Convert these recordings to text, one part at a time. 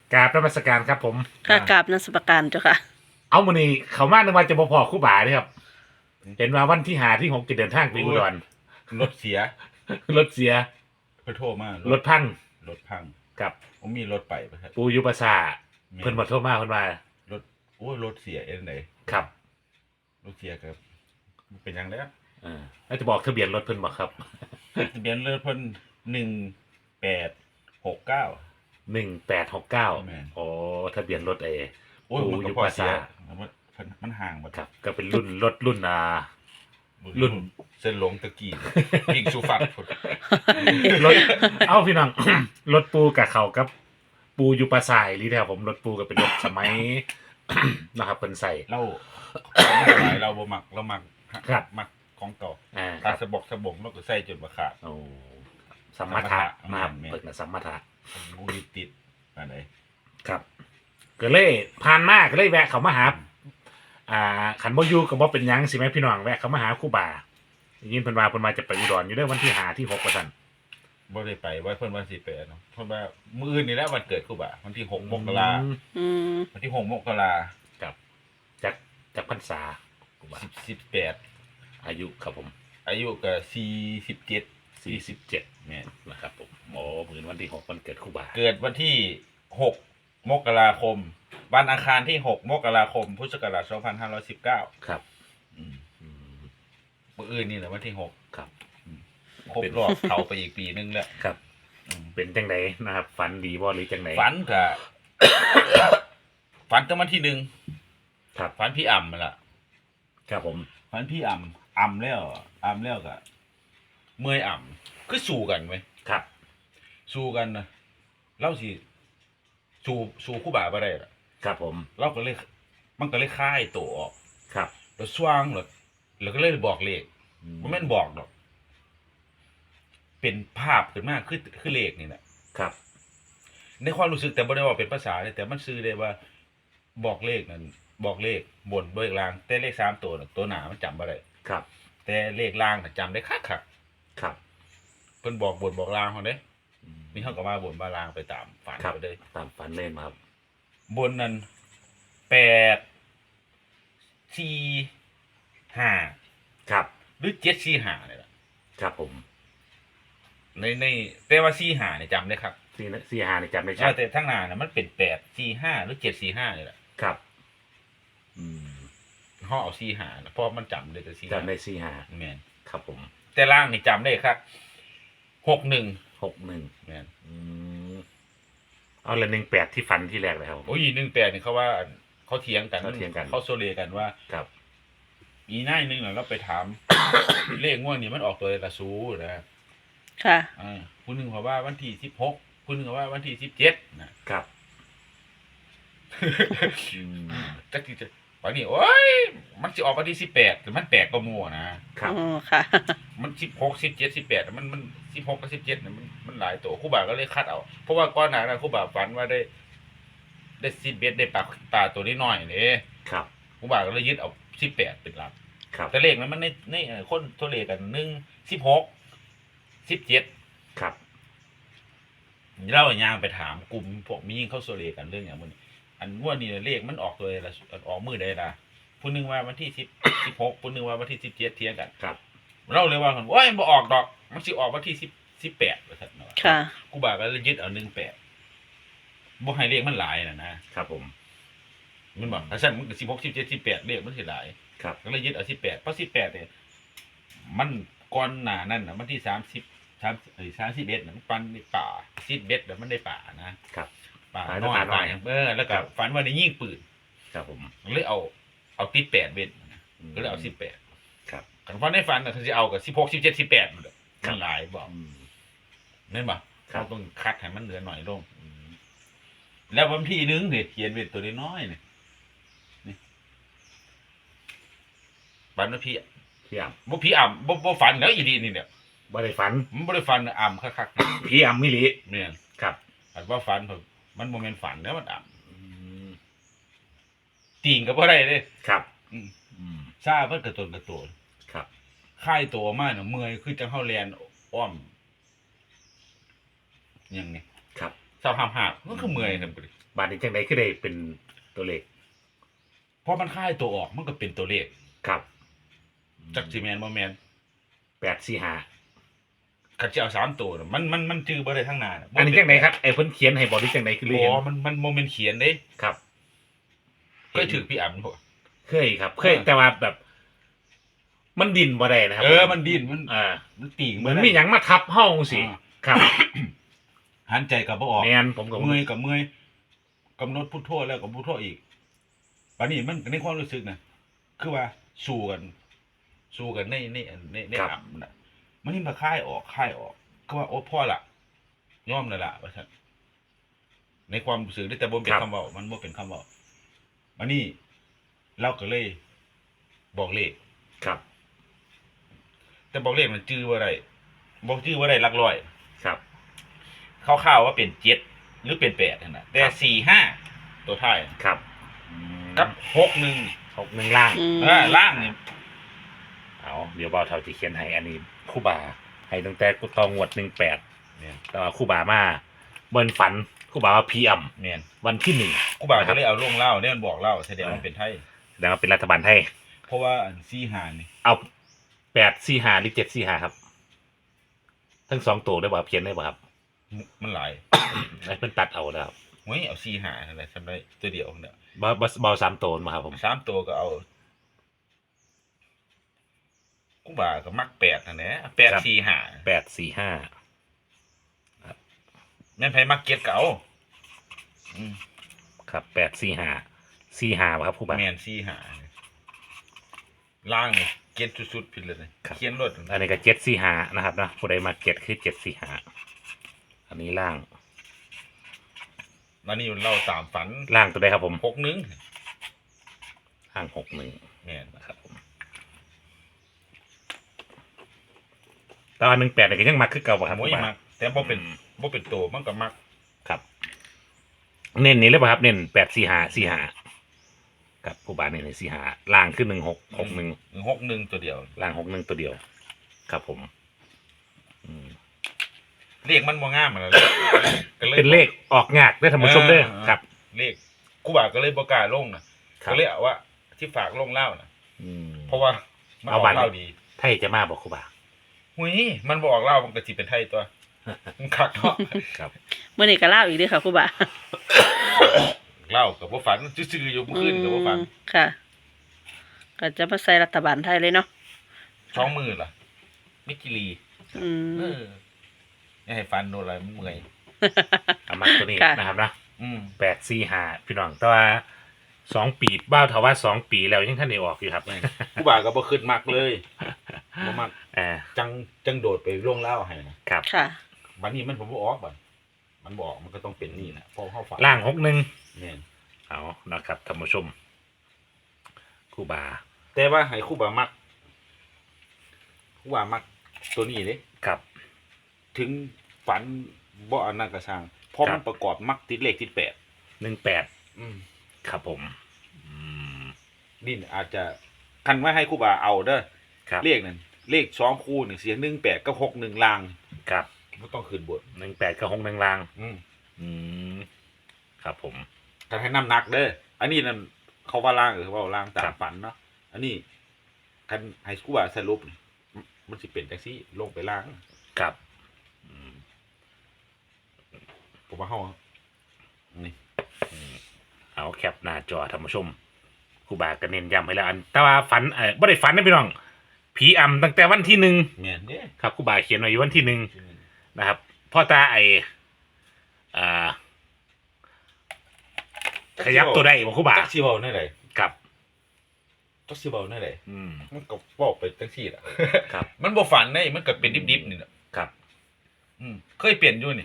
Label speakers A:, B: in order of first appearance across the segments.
A: กราบนมัสการครับผม
B: ค่ะกราบนมัสการเจ้าค่ะ
A: เอามื้อนี้เขามาในวันจะบ่พอครู่บ่าเด้อครับเห็นว่าวันที่5ที่6จะเดินทางไปอุดร
C: รถเสีย
A: รถเสีย
C: เพิ่นโทรมาร
A: ถพัง
C: รถพัง
A: กับ
C: ผมมีรถไปบ่ครับ
A: ปูยุปสาเพิ่นบ่โทรมาเพิ่นว่าร
C: ถโอ้ยรถเสียเอ็นไหน
A: ครับ
C: รถเสียครับมันเป็นหยังแล้ว
A: แล้วจะบอกทะเบียนรถเพิ่นบ่ครับ
C: ทะเบียนรถเพิ่น1869
A: 1869
C: แม่น
A: โอ้ทะเบียนรถ
C: โอ้ย
A: ปู
C: มันก็
A: ยุ
C: พอ
A: ป
C: เสีย
A: สา
C: มันห่างบ่
A: ครับก็เป็นรุ่นรถรุ่นรุ่น
C: เส้นหลงตะกี้ยิงสูฟัดพุ่น
A: รถเอ้าพี่น้อง รถปูกับเขากับปูยุปสายหรือแท้ผมรถปูก็เป็นรถสมัย นะครับเพิ่นใส่
C: เราเราบ่มักเรามัก
A: ครับ
C: มักของเก่า
A: ครั
C: ตา
A: บ
C: สะบกสะบงเราก็ใส่จนบ่ขาด
A: โอ้สัมมาทะนะครับ
C: แม่น
A: เปิดนะสัมมาทะ
C: งูยึดติดอันไหน
A: ครับก็เลยผ่านมาก็เลยแวะเขามาหาขันบ่อยู่ก็บ่เป็นหยังสิแม่พี่น้องแวะเขามาหาครูบายินเพิ่นว่าจะไปอุดรอยู่เด้อวันที่5ที่6ว่าซั่น
C: บ่ได้ไปว่าเพิ่นวันสิไปเนาะเพิ่นว่ามื้ออื่นนี่แหละวันเกิดครูบาวันที่6มกรา
B: อืม
C: วันที่6มกรา
A: ครับจากพรรษาครูบา
C: 18
A: อายุครับผม
C: อายุก็47
A: 47
C: แม่น
A: นะครับผมโอ้มื้อวันที่6วันเกิดครูบา
C: เกิดวันที่6มกราคมวันอังคารที่6มกราคมพุทธศักราช2519
A: ครับ
C: อืม
A: อืม
C: มื้ออื่นนี่แหละวันที่6
A: ครับ
C: ครบรอบเข้าไปอีกปีนึงแล้ว
A: ครับ
C: อืม
A: เป็นจังไดนะครับฝันดีบ่หรือจังได
C: ฝันก็ ฝันตั้งวันที่
A: ครับ
C: 1ฝันพี่อ่ำนั่นล่ะ
A: ครับผม
C: ฝันพี่อ่ำแล้วก็เมื่อยอ่ำคือสู้กันไหม
A: ครับ
C: สู้กันนะเล่าสิสู้คู่บ่าบ่ได้ล่ะ
A: ครับผม
C: เราก็เลยมันก็เลยคายตัวออก
A: ครับ
C: แล้วสว่างแล้วก็เลยบอกเลขมันไม่นบอกดอก เป็นภาพขึ้นมาคือเลขนี่แหละ
A: ครับ
C: ในความรู้สึกแต่บ่ได้ว่าเป็นภาษาเลยแต่มันซื้อได้ว่าบอกเลขนั้นบอกเลขบนด้วยล่าง แต่เลข3ตัวน่ะตัวหนามันจำบ่ได้
A: ครับ
C: แต่เลขล่างน่ะจำได้คัก
A: ครับ
C: ๆเพิ่นบอกบนบอกล่างเฮาเด้มีเฮาก็มาบนมาล่างไปตามฝัน
A: ครับ
C: ไปเลย
A: ตามฝันเล่นมาครับ
C: บนนั้น8 4 5
A: ครับ
C: หรือ7 4 5นี่ล่ะ
A: ครับผม
C: ในแต่ว่า4 5นี่จำได้ครับ
A: สี่หาเนี่ยจำได้ชัด
C: แต่ทั้งหน้าน่ะมันเป็น8 4 5หรือ7 4 5นี่แหละ
A: ครับ อืม
C: เฮาเอา4 5นะเพราะมันจำได้แต่4
A: จำได้สี่หา
C: แม่น
A: ครับผม
C: แต่ล่างนี่จำได้ครับ61
A: 61
C: แม่น
A: อืมเอาละ18ที่ฝันที่แรกเลยครับผม
C: โอ้ย18นี่เขาว่าเขาเถียงกัน
A: เขาเถียงกัน
C: เขาโซเลกันว่า
A: ครับ
C: อีนายนึงน่ะเราไปถาม เลขง่วงนี่มันออกตัวละสูนะ
B: ค่ะ
C: ผู้หนึงเขาว่าวันที่16ผู้หนึงเขาว่าวันที่17นะครับ
A: อืม
C: จักที่จะวันนี้โอ้ยมันสิออกวันที่18แต่มันแปลกกว่าหมู่นะครับ
B: อ๋อค่ะ
C: มัน16 17 18มัน16กับ17น่ะมันหลายตัวครูบาก็เลยคัดเอาเพราะว่าก่อนหน้านั้นครูบาฝันว่าได้11ได้ปลาตัวน้อยๆนี่
A: ครับ
C: ครูบาก็เลยยึดเอา18เป็นหลัก
A: ครับ
C: แต่เลขนั้นมันในคนตัวเลขกัน1 16 17
A: ครับ
C: เราย่างไปถามกลุ่มพวกมียิ่งเข้าโซเลกันเรื่องอย่างมันอันว่านี่เลขมันออกตัวละออกมือได้ละผู้หนึงว่าวันที่16ผู้หนึงว่าวันที่17เที่ยงกัน
A: ครับ
C: เราเลยว่ากันโอ้ยบ่ออกดอกมันสิออกวันที่18ว่าซั่นเนาะ
B: ค่ะ
C: กูบาก็เลยยึดเอา18บ่ให้เลขมันหลายน่ะนะครับ
A: ผม
C: มันบอกถ้าซั่นมันก็16 17 18เลขมันสิหลาย
A: ครับ
C: ก็เลยยึดเอา18เพราะ18เนี่ยมันก่อนหน้านั้นน่ะวันที่31น่ะมันปันในป่า11แล้วมันได้ป่านะครับ ป่า
A: ป่า
C: น้อย
A: ป่าน้อย
C: แล้วก็ฝันว่าได้ยิงปืน
A: ครับผม
C: เลยเอาติด8เบ็ดก็เลยเอา18
A: ครับ
C: คันฝันในฝันน่ะเขาสิเอากับ16 17 18มันมันหลายบอก
A: อืม
C: แม่นบ่
A: ครับ
C: เราต้องคัดให้มันเหลือหน่อยลง
A: อืม
C: แล้ววันที่นึงนี่เขียนเป็นตัวน้อยๆนี่ฝันว่าพี่
A: พี่อ่
C: บ่พี่อ่ำบ่ฝันแล้วอีดีนี่เนี่ย
A: ำบ่ได้ฝัน
C: มันบ่ได้ฝันอ่ำคักๆ
A: พี่อ่ำมิลิ
C: แม่น
A: ครับ
C: อันว่าฝันผมมันบ่แม่นฝันแล้วมันอ่
A: อืม
C: ำตีงก็บ่ได้เด้
A: ครับ
C: อืม
A: อืม
C: ซาเพิ่นกระตนกระโตน
A: ครับ
C: ค่ายตัวมาเนี่ยเมื่อยคือจังเฮาแลนอ้อมหยังนี่
A: ครับ
C: เศร้าหามหาบมันคือเมื่อยซั่นบ่ดิ
A: บาดนี้จังได๋คือได้เป็นตัวเลข
C: เพราะมันค่ายตัวออกมันก็เป็นตัวเลข
A: ครับ
C: จักสิแม่นบ่แม่น
A: 845
C: คันสิเอา3ตัวน่ะมันจื้อบ่ได้ทั้งหน้าน่ะ
A: อันนี้จังไดครับไอ้เพิ่นเขียนให้บ่หรือจังไดคือเรีย
C: บ่
A: น
C: มันบ่แม่นเขียนเด้
A: ครับ
C: เคยถือพี่อ่ำบ่
A: เคยครับ เคยแต่ว่าแบบ มันดิ้นบ่ได้นะครับ
C: มันดิ้นมัน
A: มัน
C: ตีง
A: เหมือนมีหยังมาทับเฮาจังซี่ครับ
C: หันใจก็บ่ออก
A: แม่นผมก็
C: เมื่อยกับเมื่อยกำหนดพุทโธแล้วก็พุทโธอีกบัดนี้มันในความรู้สึกนะคือว่าสู้กันในอ่ำน่ะมันนี่มาคายออกก็ว่าโอ้พ่อละยอมแล้วล่ะว่าซั่นในความรู้สึกแต่บ่เป็นคำเว้ามันบ่เป็นคำเว้าบัดนี้เราก็เลยบอกเลข
A: ครับ
C: แต่บอกเลขมันจื้อบ่ได้บอกจื้อบ่ได้หลักร้อย
A: ครับ
C: คร่าวๆว่าเป็น7หรือเป็น8นั่นน่ะแต่4-5ตัวท้าย
A: ครับ
C: กับ61
A: 61ล่าง
B: อืม
C: ล่างนี่
A: เอาเดี๋ยวเบาเท่าที่เขียนให้อันนี้ครู่บาให้ตั้งแต่ตองวด18
C: เนี่ย
A: แต่ว่าครู่บามาเบิ่นฝันครู่บาว่าพีอำ
C: เนี่ย
A: วันที่1
C: กูบ่าวจะเลยเอาลงเล่าเนี่ยมันบอกเล่าแสดงว่ามันเป็นไทย
A: แสดงว่าเป็นรัฐบาลไทย
C: เพราะว่าอัน4-5นี่
A: เอา845หรือ745ครับ ทั้ง2ตัวได้บ่เขียนได้บ่ครับ
C: มันหลาย
A: ให้เพิ่นตัดเอาแล้ว
C: เฮ้ยเอา4-5อะไรทำได้ตัวเดียวเนี่ย
A: บ่3ตัวมาครับผม
C: 3ตัวก็เอากูบ่าวก็มัก8นั่นแหละ8-4-5
A: 845
C: แม่นไผมักเก็ตก็เอาอืม
A: ครับ845บ่ครับครู่บา
C: แม่น4-5ล่างนี่เก็ตสุดๆผิดเลย
A: ครับ
C: เขียนรถ
A: อันนี้ก็745นะครับเนาะผู้ใดมาเก็ตคือ745อันนี้ล่าง
C: แล้วนี่เล่าตามฝัน
A: ล่างตัวใดครับผม
C: 61
A: ล่าง61
C: แม่น
A: นะครับผมแต่ว่า18นี่ก็ยังมักคือเก่าบ่ครับ
C: โอ้ย
A: ครู่บา
C: มักแต่บ่เป็นตัวมันก็มัก
A: ครับ เน้นนี้เลยป่ะครับ เน้น845ครับผู้บาเน้นใน45ล่างขึ้น1661
C: 61ตัวเดียว
A: ล่าง61ตัวเดียว ครับผม อืม
C: เลขมันบ่งามอะนะก็ย
A: เป็นเลขออกงากได้อท่านผู้ชมเด้อครับ
C: เลขกูบ่าก็เลยบ่กล้าลงนะครับ ก็เลยเอาว่าที่ฝากลงเล่านะ
A: อืม
C: เพราะว่ามันอ
A: เอา
C: อก
A: บัตร
C: เล่าดี
A: ไทยจะมาบอกครูบา
C: หุยมันบ่ออกเล่ามันก็สิเป็นไทยตัวมันคักเนาะ
A: ครับ
B: มื้อนี้ก็เล่าอีกเด้อค่ะครูบา
C: เล่าก็บ่ฝันซื่อๆอยู่เมื่อคืนก็บ่ฝัน
B: ค่ะ ก็จะมาใส่รัฐบาลไทยเลยเนาะ
C: ช่องมือล่ะมิกิลี
B: อืม
C: เอออย่าให้ฟันโดนอะไรมันเมื่อย
A: เอามาตัวนี้
B: ค่ะ
A: นะครับนะ
C: อืม
A: 845พี่น้องแต่ว่า2 ปีบ้าวเทาว่า2 ปีแล้วยังท่านได้ออกอยู่ครับ
C: กูบ่าก็บ่ขึ้นมักเลยบ่มัก
A: อ่า
C: จังโดดไปลงเล่าให้นะครับ
B: ค่ะ
C: บัดนี้มันผมบ่ออกบัดมันบ่ออกมันก็ต้องเป็นนี่นะเพราะเฮาฝัน
A: ล่าง61
C: แม่น
A: เอานะครับท่านผู้ชมครูบา
C: แต่ว่าให้ครูบามักครูบามักตัวนี้เด้
A: ครับ
C: ถึงฝันบ่อันนั้นก็ช่างเพราะ
A: ครั
C: มั
A: บ
C: นประกอบมักติดเลขติด8
A: 18
C: อืม
A: ครับผมอืม
C: นี่อาจจะคันว่าให้ครูบาเอาเด้อ
A: ครับ
C: เลขนั่นเลข2คู่นี่เสีย18กับ61ลาง
A: ครับ
C: บ่ต้องขึ้นบน
A: 18กับ61ล่าง
C: อืม
A: อืมครับผม
C: ถ้าให้น้ำหนักเด้ออันนี้นั่นเขาว่าล่างหรือว่าล่างตา
A: ครั
C: ม
A: บ
C: ฝันเนาะอันนี้คันให้ครูบาสรุปนี่มันสิเป็นจังซี่ลงไปล่าง
A: ครับอืม
C: ผมว่าเฮานี่
A: เอาแคปหน้าจอท่านผู้ชมครูบาก็เน้นย้ำให้แล้วอันแต่ว่าฝันบ่ได้ฝันนะพี่น้องผีอำตั้งแต่วันที่1
C: แม่นเด้
A: ครับครูบาเขียนไว้อยู่วันที่1นะครับพ่อตาอ่าขยับตัวได้บ่ครูบา
C: จักสิเว้าแน่ใด
A: ครับ
C: จักสิเว้าแน่ใด
A: อืม
C: มันก็เว้าไปจังซี่ล่ะ
A: ครับ
C: มันบ่ฝันเด้มันก็เป็นดิบๆนี่แหละ
A: ครับ
C: เคยเปลี่ยนอยู่นี่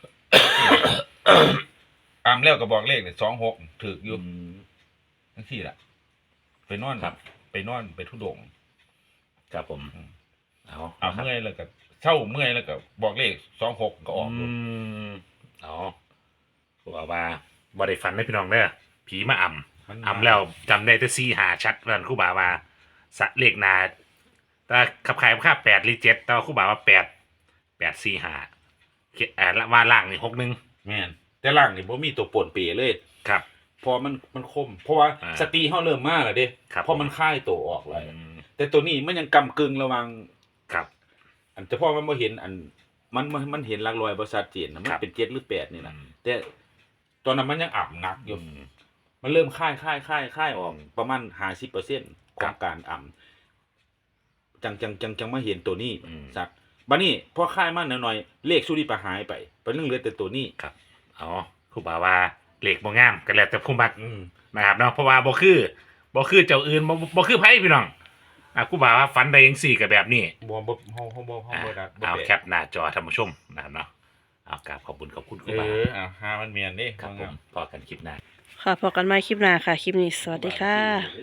C: อามแล้วก็บอกเลขนี่26ถูกอยู่
A: อืม
C: จังซี่ล่ะไปนอน
A: ครับ
C: ไปนอนไปทุดงค์
A: ครับผม
C: อืม
A: เอา
C: เอา
A: ครับ
C: เมื่อยแล้วก็เช้าเมื่อยแล้วก็บอกเลข26ก็ออกอยู่
A: มเอาบอกว่าบ่ได้ฝันนะพี่น้องเด้อผีมาอำ อำแล้วจำได้แต่4 5ชัดว่าครูบาว่าสะเลขหนาแต่ขับขายค่า8หรือ7แต่ว่าครูบาว่า8 4 5ว่าล่างนี่61
C: แม่นแต่ล่างนี่บ่มีตัวป่วนเปเลย
A: ครับ
C: เพอมันคม เพราะว่า สตรีเฮาเริ่มมาแล้วเด้
A: ครับ
C: เพราะมันคายตัวออกแล้ว
A: อืม
C: แต่ตัวนี้มันยังกำกึ่งระหว่าง
A: ครับ
C: อันแต่พอมันบ่เห็นอันมันเห็นหลักร้อยบ่ชัดเจนนะมันเป็น7หรือ8นี่นะแต่ตอนนั้นมันยังอ่ำหนักอยู่ มันเริ่มค่ายออกประมาณ50%ของการอ่ำจังมาเห็นตัวนี้สัตว์บัดนี้พอค่ายมาหน่อยๆเลขสุริปะหายไปเป็นเรื่องเหลือแต่ตัวนี้
A: อ๋อครูบาว่าเหล็กบ่งามก็แล้วแต่ผู้มัก
C: อืม
A: นะครับเนาะเพราะว่าบ่คือเจ้าอื่นบ่คือไผพี่น้องครูบาว่าฝันได้จังซี่ก็แบบนี้
C: บ่เฮาบ่ได้
A: เอาแคปหน้าจอท่านผู้ชมนะครับเนาะเอากราบขอบคุณครูบา
C: หามันเมียนเด้
A: ครับผมพอกันคลิปหน้า
B: ค่ะพบกันใหม่คลิปหน้าค่ะ คลิปนี้สวัสดีค่ะ